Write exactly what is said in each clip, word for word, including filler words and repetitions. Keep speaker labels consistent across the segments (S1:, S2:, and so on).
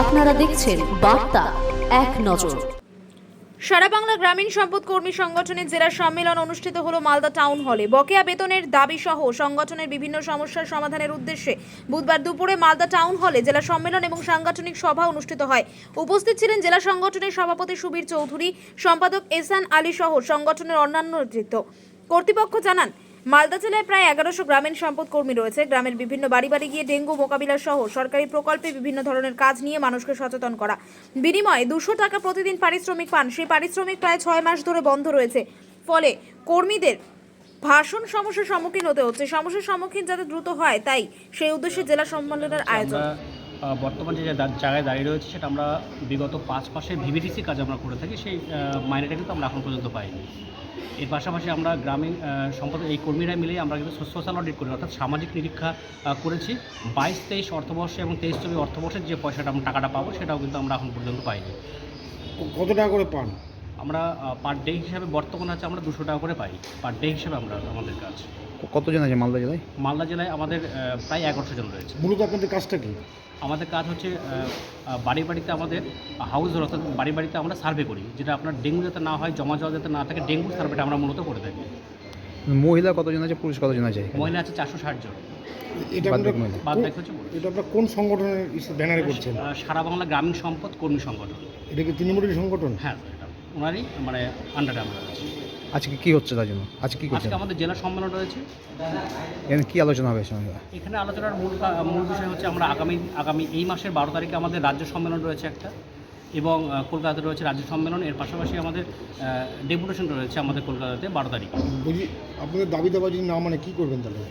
S1: আপনারা দেখছেন বার্তা এক নজর।
S2: সারা বাংলা গ্রামীণ সম্পদ কর্মী সংগঠনের জেলা সম্মেলন অনুষ্ঠিত হলো মালদা টাউন হলে। বকেয়া বেতনের দাবি সহ সংগঠনের বিভিন্ন সমস্যার সমাধানের উদ্দেশ্যে বুধবার দুপুরে মালদা টাউন হলে জেলা সম্মেলন এবং সাংগঠনিক সভা অনুষ্ঠিত হয়। উপস্থিত ছিলেন জেলা সংগঠনের সভাপতি সুবীর চৌধুরী, সম্পাদক এহসান আলী সহ সংগঠনের অন্যান্য নেতৃত্ব। কর্তৃপক্ষ জানান, মালদা জেলায় প্রায় এগারোশো গ্রামীণ সম্পদ কর্মী রয়েছে। গ্রামের বিভিন্ন বাড়ি বাড়ি গিয়ে ডেঙ্গু মোকাবিলা সহ সরকারি প্রকল্পে বিভিন্ন ধরনের কাজ নিয়ে মানুষকে সচেতন করা। বিনিময়ে দুশো টাকা প্রতিদিন পারিশ্রমিক পান। সেই পারিশ্রমিক প্রায় ছয় মাস ধরে বন্ধ রয়েছে। ফলে কর্মীদের ভাষণ সমস্যার সম্মুখীন হতে হচ্ছে। সমস্যার সম্মুখীন যাতে দ্রুত হয়, তাই সেই উদ্দেশ্যে জেলা সম্মেলনের আয়োজন।
S3: বর্তমান যে জায়গায় দাঁড়িয়ে রয়েছে সেটা আমরা বিগত পাঁচ মাসে ভিভিডিসি কাজ আমরা করে থাকি, সেই মাইনেটা কিন্তু আমরা এখন পর্যন্ত পাইনি। এর পাশাপাশি আমরা গ্রামীণ সম্পদ এই কর্মীরা মিলে আমরা কিন্তু সোশ্যাল অডিট করি, অর্থাৎ সামাজিক নিরীক্ষা করেছি। বাইশ তেইশ অর্থবর্ষে এবং তেইশ চব্বিশ অর্থবর্ষের যে পয়সাটা আমরা টাকাটা পাবো সেটাও কিন্তু আমরা এখন পর্যন্ত পাইনি।
S4: কত টাকা করে পান?
S3: আমরা পার ডে হিসাবে বর্তমানে আছে আমরা দুশো টাকা করে পাই পার ডে হিসাবে। আমরা আমাদের কাজ
S4: কতজন আছে মালদা জেলায়?
S3: মালদা জেলায় আমাদের প্রায় এগারোশো জন রয়েছে।
S4: মূলত আপনাদের কাজটা কি?
S3: আমাদের কাজ হচ্ছে বাড়ি বাড়িতে আমাদের হাউস অর্থাৎ বাড়ি বাড়িতে আমরা সার্ভে করি, যেটা আপনার ডেঙ্গু যাতে না হয়, জমা জল যাতে না থাকে, ডেঙ্গু সার্ভেটা আমরা মূলত করে থাকি।
S4: মহিলা কতজন আছে, পুরুষ কতজন আছে?
S3: মহিলা আছে চারশো ষাট জন।
S4: এটা
S3: বাদ বাকি হচ্ছে
S4: এটা আপনার কোন সংগঠনের ব্যানারে করছেন?
S3: সারা বাংলা গ্রামীণ সম্পদ কর্মী সংগঠন।
S4: এটা কি তৃণমূলের সংগঠন?
S3: হ্যাঁ, এটা ওনারই মানে আন্ডারে আমরা আছি।
S4: আজকে কি হচ্ছে তার জন্য? আজকে কি করছেন?
S3: আজকে আমাদের জেলা সম্মেলন রয়েছে।
S4: এখানে কি আলোচনা হবে?
S3: এখানে আলোচনার মূল মূল বিষয় হচ্ছে আমরা আগামী আগামী এই মাসের বারো তারিখে আমাদের রাজ্য সম্মেলন রয়েছে একটা, এবং কলকাতাতে রয়েছে রাজ্য সম্মেলন। এর পাশাপাশি আমাদের ডেপুটেশন রয়েছে আমাদের কলকাতাতে বারো তারিখে।
S4: বুঝি আপনাদের দাবি দাবা যদি না মানে কী করবেন তাহলে?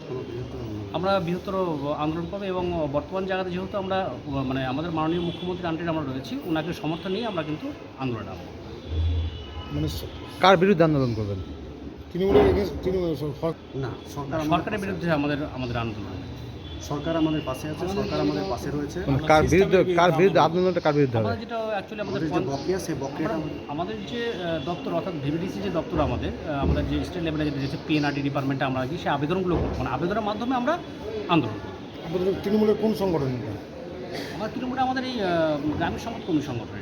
S3: আমরা বৃহত্তর আন্দোলন করবো, এবং বর্তমান জায়গাতে যেহেতু আমরা মানে আমাদের মাননীয় মুখ্যমন্ত্রীর আন্ডারে আমরা রয়েছি, ওনাকে সমর্থন নিয়ে আমরা কিন্তু আন্দোলনে নামব।
S4: মানে কার বিরুদ্ধে আন্দোলন করবেন? তৃণমূলের
S3: না, সরকারের বিরুদ্ধে আমাদের আমাদের আন্দোলন।
S5: সরকার আমাদের পাশে আছে, সরকার আমাদের পাশে রয়েছে।
S4: কার বিরুদ্ধে কার বিরুদ্ধে আন্দোলনটা কার বিরুদ্ধে হবে?
S3: যেটা অ্যাকচুয়ালি আমাদের
S5: যে বকেয়া, সেই বকেয়াটা
S3: আমাদের যে দপ্তর অর্থাৎ ভিভিডিসি যে দপ্তর আমাদের আমাদের যে স্টেট লেভেলে যেটা রয়েছে পিএনআরডি ডিপার্টমেন্টে আমরা কি সেই আবেদনগুলো করবো, মানে আবেদনের মাধ্যমে আমরা আন্দোলন করবো।
S4: আপনাদের তৃণমূলের কোন সংগঠন?
S3: আমার তৃণমূলে আমাদের এই গ্রামীণ সম্পদ কর্মী সংগঠনের।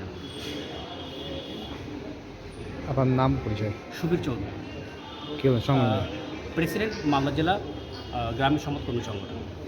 S4: আপনার নাম পরিচয়?
S3: সুবীর চৌধুরী,
S4: কি সংগঠন?
S3: প্রেসিডেন্ট মালদা জেলা গ্রামীণ সম্পদ কর্মী সংগঠন।